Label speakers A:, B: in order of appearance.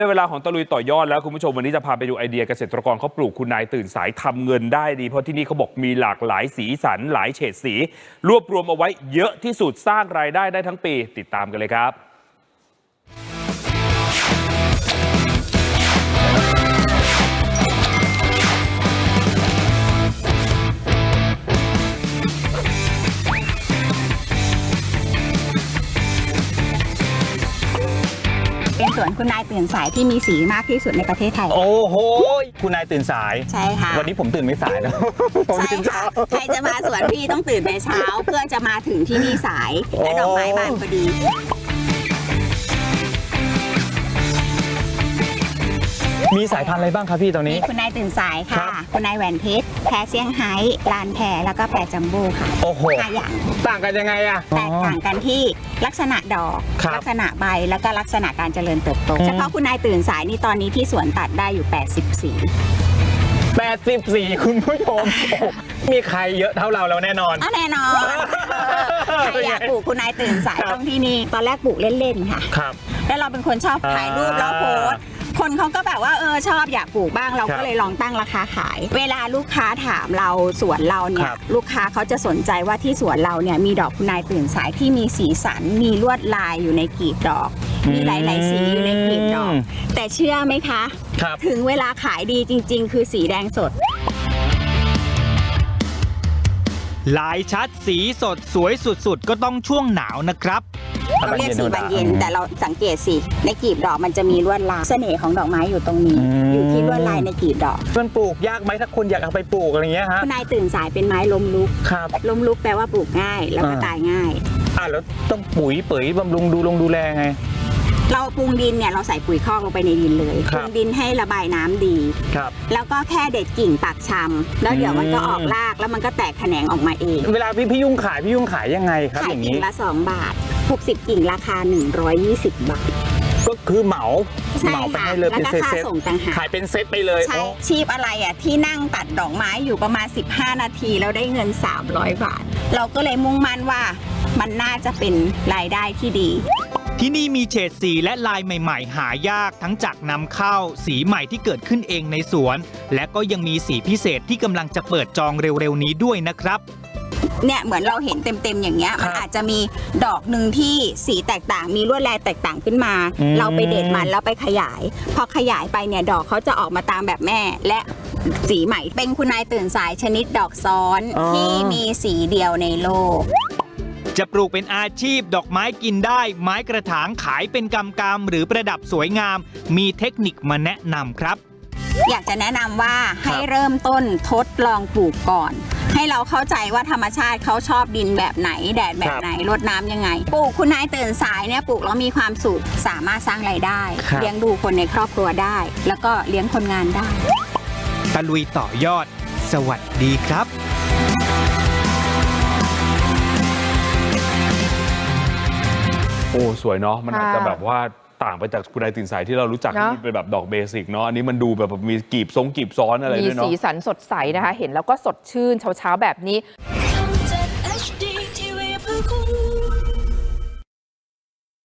A: ในเวลาของตะลุยต่อยอดแล้วคุณผู้ชมวันนี้จะพาไปดูไอเดียเกษตรกรเขาปลูกคุณนายตื่นสายทำเงินได้ดีเพราะที่นี่เขาบอกมีหลากหลายสีสันหลายเฉดสีรวบรวมเอาไว้เยอะที่สุดสร้างรายได้ทั้งปีติดตามกันเลยครับ
B: เป็นสวนคุณนายตื่นสายที่มีสีมากที่สุดในประเทศไทย
C: โอ้โหคุณนายตื่นสาย
B: ใช่ค่ะ
C: วันนี้ผมตื่นไม่สายนะ
B: ใช่ค่ะใครจะมาสวนพี่ต้องตื่นแต่เช้าเพื่อจะมาถึงที่นี่สายและดอกไม้บานพอดี
C: มีสายพันธุ์อะไรบ้างครับพี่ตอนนี้
B: มีคุณนายตื่นสายค่ะคุณนายแหวนเพชรแพรเซี่ยงไฮ้ลานแพรแล้วก็แพรจัมโบ้ค่ะ
C: โอ้โห
B: 5อย่าง
C: ต่างกันยังไงอะ
B: แตกต่างกันที่ลักษณะดอกลักษณะใบแล้วก็ลักษณะการเจริญเติบโตเฉพาะคุณนายตื่นสายนี่ตอนนี้ที่สวนตัดได้อยู่
C: 84คุณผู้ชมมีใครเยอะเท่าเราแล้วแน่นอน
B: แน่นอนใครอยากปลูกคุณนายตื่นสายต้องที่นี่ตอนแรกปลูกเล่นๆค่ะ
C: ครับ
B: แล้วเราเป็นคนชอบถ่ายรูปแล้วโพสคนเขาก็แบบว่าชอบอยากปลูกบ้างเราก็เลยลองตั้งราคาขายเวลาลูกค้าถามเราสวนเราเนี่ยลูกค้าเขาจะสนใจว่าที่สวนเราเนี่ยมีดอกคุณนายตื่นสายที่มีสีสันมีลวดลายอยู่ในกลีบดอกมีหลายๆสีอยู่ในกลีบดอกแต่เชื่อไหมคะถึงเวลาขายดีจริงๆคือสีแดงสด
D: ลายชัดสีสดสวยสุดๆก็ต้องช่วงหนาวนะครับ
B: เราเรียกสีบานเย็นแต่เราสังเกตสิในกลีบดอกมันจะมีลวดลายเสน่ห์ของดอกไม้อยู่ตรงนี้อยู่ที่ลวดลายในกลีบดอก
C: มันปลูกยากไหมถ้าคนอยากเอาไปปลูกอะไรเงี้ยฮะ
B: คุณนายตื่นสายเป็นไม้ล้มลุกล้มลุกแปลว่าปลูกง่ายแล้วก็ตายง่าย
C: แล้วต้องปุ๋ยเป๋ยบำรุงดูแลไง
B: เราปรุงดินเนี่ยเราใส่ปุ๋ยคอกลงไปในดินเลยปรุงดินให้ระบายน้ำดีแล้วก็แค่เด็ดกิ่งปักชำแล้วเดี๋ยวมันก็ออกรากแล้วมันก็แตกแขนงออกมาเอง
C: เวลาพี่ยุ่งขายยังไงครับอย่างนี้
B: ขายกิ่งละ2 บาท60กิ่งราคา120 บาท
C: ก็คือเหมาไปให้เลยเป็นเซตขายเป็นเซตไปเลย
B: ใช่ชีพอะไรที่นั่งตัดดอกไม้อยู่ประมาณ15 นาทีแล้วได้เงิน300 บาทเราก็เลยมุ่งมั่นว่ามันน่าจะเป็นรายได้ที่ดี
D: ที่นี่มีเฉดสีและลายใหม่ๆหายากทั้งจากนำเข้าสีใหม่ที่เกิดขึ้นเองในสวนและก็ยังมีสีพิเศษที่กำลังจะเปิดจองเร็วๆนี้ด้วยนะครับ
B: เนี่ยเหมือนเราเห็นเต็มๆอย่างเงี้ยมันอาจจะมีดอกหนึ่งที่สีแตกต่างมีลวดลายแตกต่างขึ้นมาเราไปเด็ดมันแล้วไปขยายพอขยายไปเนี่ยดอกเขาจะออกมาตามแบบแม่และสีใหม่เป็นคุณนายตื่นสายชนิดดอกซ้อนที่มีสีเดียวในโลก
D: จะปลูกเป็นอาชีพดอกไม้กินได้ไม้กระถางขายเป็นกำๆหรือประดับสวยงามมีเทคนิคมาแนะนำครับ
B: อยากจะแนะนำว่าให้เริ่มต้นทดลองปลูกก่อนให้เราเข้าใจว่าธรรมชาติเขาชอบดินแบบไหนแดดแบบไหนรดน้ำยังไงปลูกคุณนายตื่นสายเนี่ยปลูกแล้วมีความสุขสามารถสร้างรายได้เลี้ยงดูคนในครอบครัวได้แล้วก็เลี้ยงคนงานได้
D: ตะลุยต่อยอดสวัสดีครับ
A: โอ้สวยเนาะมันอาจจะแบบว่าต่างไปจากคุณนายตื่นสายที่เรารู้จักที่เป็นแบบดอกเบสิกเนาะอันนี้มันดูแบบมีกีบซ้อนอะไรด้วยเนาะ
E: มีสีสันสดใสนะคะเห็นแล้วก็สดชื่นเช้าๆแบบนี้